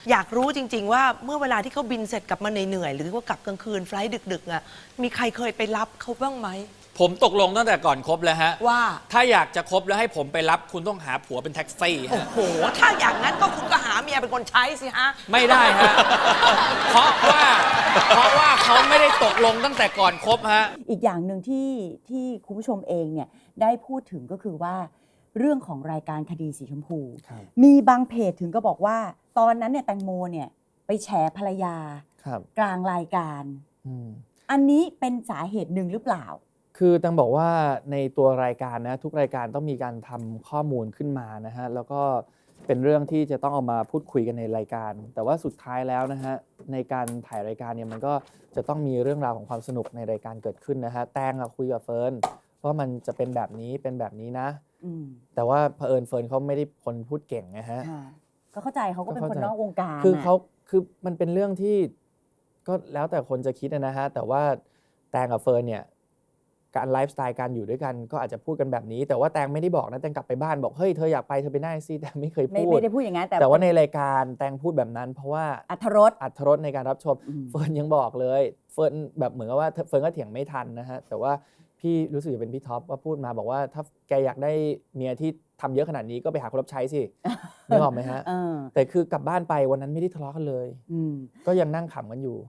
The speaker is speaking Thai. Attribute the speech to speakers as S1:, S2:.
S1: อยากรู้จริงๆว่าเมื่อเวลาที่เขาบินเสร็จกลับมาเหนื่อยๆหรือว่ากลับกลางคืนไฟลท์ดึกๆอ่ะมีใครเคยไปรับเขาบ้างไหม
S2: ผมตกลงตั้งแต่ก่อนคบแล้วฮะ
S1: ว่า
S2: ถ้าอยากจะคบแล้วให้ผมไปรับคุณต้องหาผัวเป็นแท็กซี่
S1: โอ้
S2: ฮะ
S1: โหถ้าอย่างนั้นก็คุณก็หาเมียเป็นคนใช้สิฮะ
S2: ไม่ได้ฮะ เพราะว่าเขาไม่ได้ตกลงตั้งแต่ก่อนคบฮะ
S3: อีกอย่างหนึ่งที่คุณผู้ชมเองเนี่ยได้พูดถึงก็คือว่าเรื่องของรายการคดีสีชมพู
S4: ครับ
S3: มีบางเพจถึงก็บอกว่า ตอนนั้นเนี่ยแตงโมเนี่ยไปแฉภรรยา
S4: ครับ
S3: กลางรายการ
S4: อืม
S3: อันนี้เป็นสาเหตุหนึ่งหรือเปล่า
S4: คือตังบอกว่าในตัวรายการนะทุกรายการต้องมีการทำข้อมูลขึ้นมานะฮะแล้วก็เป็นเรื่องที่จะต้องเอามาพูดคุยกันในรายการ แต่ว่าสุดท้ายแล้วนะฮะในการถ่ายรายการเนี่ยมันก็จะต้องมีเรื่องราวของความสนุกในรายการเกิดขึ้นนะฮะแตงคุยกับเฟิร์นว่ามันจะเป็นแบบนี้นะ
S3: อืม
S4: แต่ว่าเผอิญเฟิร์นเขาไม่ได้คนพูดเก่งนะฮะ
S3: ค่ะก็เข้าใจเขาก็เป็นคนนอกวงการ
S4: คือ
S3: น่ะ
S4: เขาคือมันเป็นเรื่องที่ก็แล้วแต่คนจะคิดนะฮะแต่ว่าแตงกับเฟิร์นเนี่ยการไลฟ์สไตล์การอยู่ด้วยกันก็อาจจะพูดกันแบบนี้ แต่ว่าแตงไม่ได้บอกนะแตงกลับไปบ้านบอกเฮ้ยเธออยากไปเธอไปได้สิแต่ไม่เคยพูด
S3: ไม่ได้พูดอย่างนั้น
S4: แต่ว่าในรายการแตงพูดแบบนั้น เพราะว่า
S3: อรรถรส
S4: อรรถรสในการรับชม
S3: อืม
S4: เฟิร์นยังบอกเลยเฟิร์นแบบเหมือนกับว่าเฟิร์นก็เถียงไม่ทันนะฮะแต่ว่าพี่รู้สึกจะเป็นพี่ท็อปว่าพูดมาบอกว่าถ้าแกอยากได้เมียที่ทำเยอะขนาดนี้ก็ไปหาคนรับใช้สิ นึกออกไหมฮะ
S3: เออ
S4: แต่คือกลับบ้านไปวันนั้นไม่ได้ทะเลาะกันเลย
S3: อืม
S4: ก็ยังนั่งขำกันอยู่